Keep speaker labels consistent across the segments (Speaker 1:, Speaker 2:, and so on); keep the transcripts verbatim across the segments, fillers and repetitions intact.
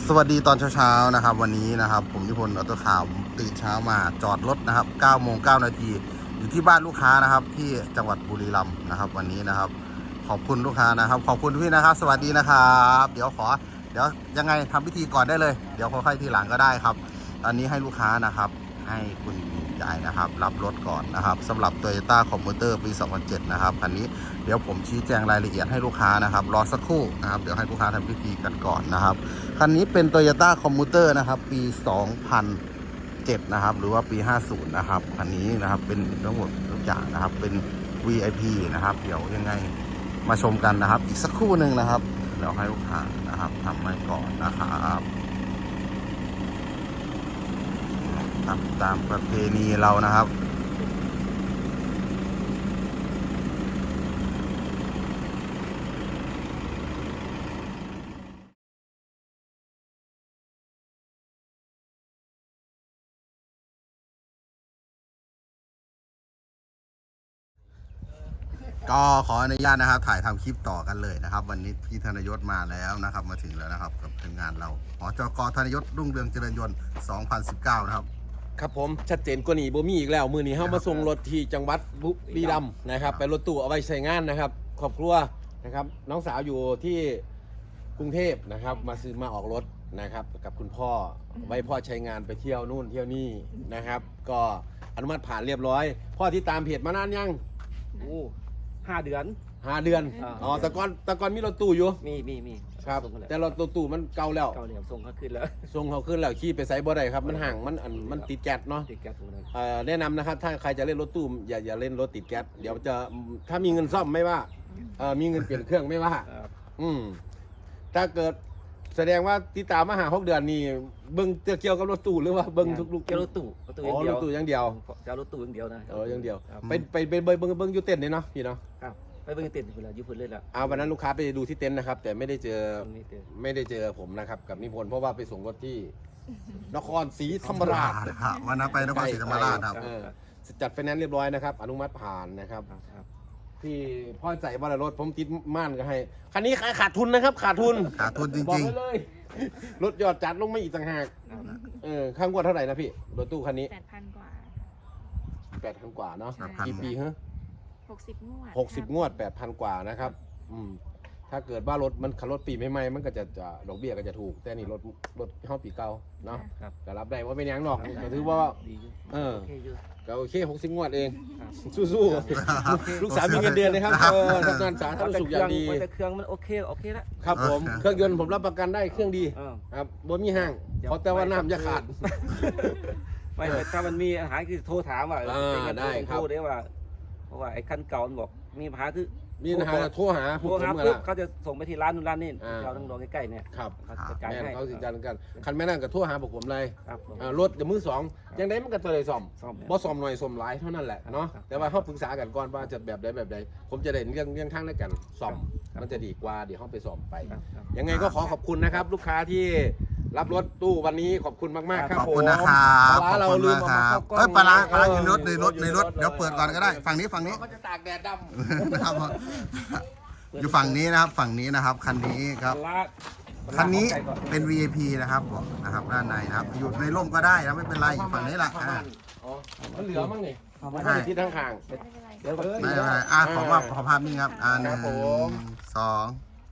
Speaker 1: สวัสดีตอนเช้าๆนะครับวันนี้นะครับผมนิพนธ์ออโต้ข่าวตื่นเช้ามาจอดรถนะครับเก้าโมงเก้านาทีอยู่ที่บ้านลูกค้านะครับที่จังหวัดบุรีรัมย์นะครับวันนี้นะครับขอบคุณลูกค้านะครับขอบคุณพี่นะครับสวัสดีนะครับเดี๋ยวขอเดี๋ยวยังไงทำพิธีก่อนได้เลยเดี๋ยวค่อยๆทีหลังก็ได้ครับตอนนี้ให้ลูกค้านะครับให้คุณยายนะครับรับรถก่อนนะครับสำหรับ Toyota Commuter ปี สองพันเจ็ด นะครับคันนี้เดี๋ยวผมชี้แจงรายละเอียดให้ลูกค้านะครับรอสักครู่นะครับเดี๋ยวให้ลูกค้าทำพิธีกันก่อนนะครับคันนี้เป็น Toyota Commuter นะครับปี สองพันเจ็ด นะครับหรือว่าปี ห้าสิบ นะครับคันนี้นะครับเป็นทั้งหมดทุกอย่างนะครับเป็น วี ไอ พี นะครับเดี๋ยวยังไงมาชมกันนะครับอีกสักครู่หนึ่งนะครับเดี๋ยวให้ลูกค้านะครับทำให้ก่อนนะครับทำตามประเพณีเรานะครับก็ขออนุญาตนะครับถ่ายทำคลิปต่อกันเลยนะครับวันนี้พี่ธนยศมาแล้วนะครับมาถึงแล้วนะครับกับทีมงานเราหจก.ธนยศรุ่งเรืองเจริญยนต์สองพันสิบเก้านะครับ
Speaker 2: ครับผมชัดเจนกว่านี้บ่มีอีกแล้วมือนี้เฮามาส่งรถที่จังหวัดบุรีรัมย์นะครับไปรถตู้เอาไว้ใช้งานนะครับครอบครัวนะครับน้องสาวอยู่ที่กรุงเทพนะครับมาซื้อมาออกรถนะครับกับคุณพ่อไว้พ่อใช้งานไปเที่ยวนู่นเที่ยวนี่นะครับก็อนุมัติผ่านเรียบร้อยพ่อที่ตามเพจมานานยัง
Speaker 3: โอ้ห้าเดือน
Speaker 2: ห้าเดือนอ๋อแต่ก่อนแต่ก่อนมีรถตู้อยู่
Speaker 3: มีมีมี
Speaker 2: ครับแต่รถตู้มันเก่าแล้ว
Speaker 3: เก่าแล้วส่งเขาขึ้นแล้ว
Speaker 2: ส่งเขาขึ้นแล้วขี่ไปไซบ่ได้ครับมันห่างมันอันมันติดแก๊สเนาะ
Speaker 3: ติดแก๊สตรงนั้น
Speaker 2: แนะนำนะครับถ้าใครจะเล่นรถตู้อย่าอย่าเล่นรถติดแก๊สเดี๋ยวจะถ้ามีเงินซ่อมไม่ว่ามีเงินเปลี่ยนเครื่องไม่ว่าอืมถ้าเกิดแสดงว่าติดตามมาหาหกเดือนนี่เบิ้งเกี่ยวกับรถตู้หรือว่าเบิ้งทุกลูก
Speaker 3: เกี่ยวรถตู้รถตู้
Speaker 2: อย่างเดียวรถตู้อย่างเดียว
Speaker 3: จะรถตู้อย่างเดียวนะ
Speaker 2: เอออย่างเดียวไปไปไปเบิ้งเบิ้งเบิ้งยูเต็นเลยเนาะพี่เนาะ
Speaker 3: ไปเบิ้งเต็นท์เวลาอยู่พื้นเลยละ
Speaker 2: เอาวันนั้นลูกค้าไปดูที่เต็นท์นะครับแต่ไม่ได้เจอไม่ได้เจอผมนะครับกับนิพนธ์เพราะว่าไปส่งรถที่นครศรีธรรมราช
Speaker 1: วันนั้นไปนครศรีธรรมราชครับ
Speaker 2: จัดไฟแนนซ์เรียบร้อยนะครับอนุมัติผ่านนะครับที่พ่อใส่บอลรถผมติดม่านก็ให้คันนี้ขาดทุนนะครับขาดทุน
Speaker 1: ขาดทุนจริง
Speaker 2: ๆเลยรถยอดจัดลงมาอีกต่างหากเออข้างกว่าเท่าไหร่นะพี่รถตู้คันนี้
Speaker 4: แปดพันกว่า
Speaker 2: แปดพันกว่าเนาะกี่ปีฮะ
Speaker 4: หกสิบงวด
Speaker 2: หกสิบงวดแปดพันกว่านะครับอืมถ้าเกิดว่ารถมันขับรถปีใหม่ๆมันก็จะจะดอกเบี้ยก็จะถูกแต่นี่รถรถห้องปีเก่าเนาะแต่รับได้ว่าเป็นยังหรอกก็ถือว่าเออก็โอเคหกสิบงวดเองสู้ๆลูกสาวมีเงินเดือนนะครับเออทำงานสาธารณสุขอย่างดี
Speaker 3: แต่เครื่องมันโอเคโอเคแล้ว
Speaker 2: ครับผมเครื่องยนต์ผมรับประกันได้เครื่องดีครับบ่มีห้างเพราะแต่ว่าน้ำจะขาด
Speaker 3: ไม่ถ้ามันมีอาหารคือโทรถามว่า
Speaker 2: ได้ครับ
Speaker 3: โทรได้ว่าเพราะว่าไอ้คันเก่ามันบอกมีปัญหาคือ
Speaker 2: มีปัญหาโทรหา
Speaker 3: โทรหาปุ๊บเขาจะส่งไปที่ร้านนู้นร้านนี้เราต้องรอใกล้ๆเนี่ย
Speaker 2: ครับ
Speaker 3: เขาจ่ายให้
Speaker 2: เขาสิจัดกันคันแม่นั่งกับโทรหาพวกผมเลยรถกับมือสองยังได้มันก็ตัวเลยซ่อมบ่ซ่อมหน่อยซ่อมหลายเท่านั้นแหละเนาะแต่ว่าเขาปรึกษากันก่อนว่าจะแบบใดแบบใดผมจะได้เรื่องเรื่องทางในการซ่อมมันจะดีกว่าเดี๋ยวเขาไปซ่อมไปยังไงก็ขอขอบคุณนะครับลูกค้าที่รับรถตู้วันนี้ขอบคุณมากๆครับ
Speaker 1: ขอบคุณนะครับปลาเราลืมมาเข้ากล้องปลาปลาอยู่รถในรถในรถเดี๋ยวเปิดก่อนก็ได้ฝั่งนี้ฝั่งนี้
Speaker 2: เขาจะตากแดดดำ
Speaker 1: นะครับอยู่ฝั่งนี้นะครับฝั่งนี้นะครับคันนี้ครับคันนี้เป็น วี ไอ พี นะครับบอกนะครับด้านในนะครับอยู่ในร่มก็ได้นะไม่เป็นไรอยู่ฝั่งนี้แหละ
Speaker 2: อ๋อมันเหลือมั้งนี่ใช่ที่ทางข้าง
Speaker 1: ไม่เป็นไรอ่าขอว่าขอภาพนี้ครับอ่าหนึ่งสอง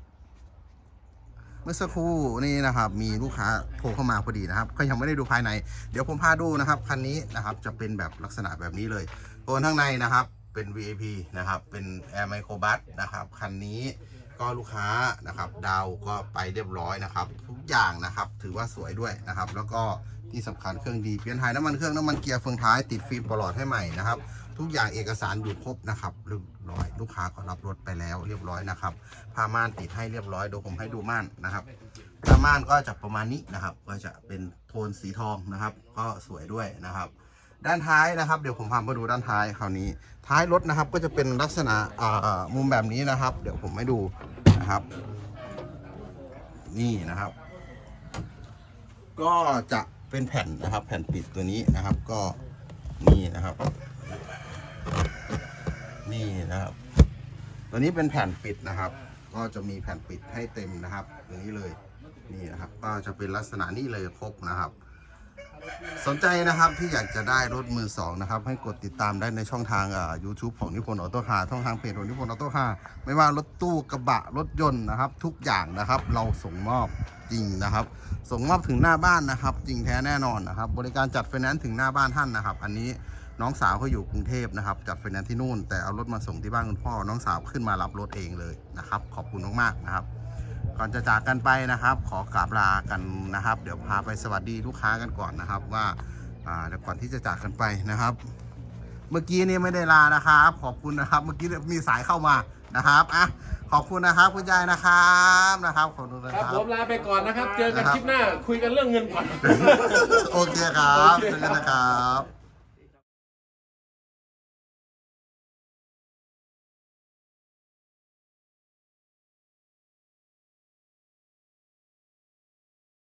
Speaker 1: เมื่อสักครู่นี่นะครับมีลูกค้าโทรเข้ามาพอดีนะครับก็ยังไม่ได้ดูภายในเดี๋ยวผมพาดูนะครับคันนี้นะครับจะเป็นแบบลักษณะแบบนี้เลยตัวข้างในนะครับเป็น วี ไอ พี นะครับเป็น Air Microbus นะครับคันนี้ก็ลูกค้านะครับดาวก็ไปเรียบร้อยนะครับทุกอย่างนะครับถือว่าสวยด้วยนะครับแล้วก็ที่สำคัญเครื่องดีเปลี่ยนถ่ายน้ำมันเครื่องน้ำมันเกียร์เฟืองท้ายติดฟิล์มปลอดให้ใหม่นะครับทุกอย่างเอกสารอยู่ครบนะครับเรียบร้อยลูกค้าก็รับรถไปแล้วเรียบร้อยนะครับผ้าม่านติดให้เรียบร้อยเดี๋ยวผมให้ดูม่านนะครับผ้าม่านก็จะประมาณนี้นะครับก็จะเป็นโทนสีทองนะครับก็สวยด้วยนะครับด้านท้ายนะครับเดี๋ยวผมพามาดูด้านท้ายคราวนี้ท้ายรถนะครับก็จะเป็นลักษณะมุมแบบนี้นะครับเดี๋ยวผมให้ดูนะครับนี่นะครับก็จะเป็นแผ่นนะครับแผ่นปิดตัวนี้นะครับก็นี่นะครับนี่นะครับตัวนี้เป็นแผ่นปิดนะครับก็จะมีแผ่นปิดให้เต็มนะครับตัวนี้เลยนี่นะครับก็จะเป็นลักษณะนี้เลยครบนะครับ สนใจนะครับที่อยากจะได้รถมือสองนะครับให้กดติดตามได้ในช่องทางอ่า YouTube ของนิพนธ์ออโต้คาร์ช่องทางเพจของนิพนธ์ออโต้คาร์ไม่ว่ารถตู้กระบะรถยนต์นะครับ ทุกอย่างนะครับเราส่งมอบจริงนะครับ ส่งมอบถึงหน้าบ้านนะครับ จริงแท้แน่นอนนะครับ บริการจัดไฟแนนซ์ถึงหน้าบ้านท่านนะครับ อันนี้น้องสาวเขาอยู่กรุงเทพนะครับจัดไฟแนนซ์ที่นู่นแต่เอารถมาส่งที่บ้านคุณพ่อน้องสาวขึ้นมารับรถเองเลยนะครับ ขอบคุณมากๆนะครับ ก่อนจะจากกันไปนะครับ ขอกราบลากันนะครับ เดี๋ยวพาไปสวัสดีลูกค้ากันก่อนนะครับว่าอ่าเดี๋ยวก่อนที่จะจากกันไปนะครับ เมื่อกี้นี่ไม่ได้ลานะครับ ขอบคุณนะครับ เมื่อกี้มีสายเข้ามานะครับอ่ะขอบคุณนะครับคุณยายนะครับนะครับขอบคุณนะ
Speaker 2: ค
Speaker 1: ค
Speaker 2: รั
Speaker 1: รั
Speaker 2: บบ ผมลาไปก่อนนะครับ เจอกันคลิปหน้าคุยกันเรื่องเงินก่อน
Speaker 1: โอเคครับเจอกันนะครับ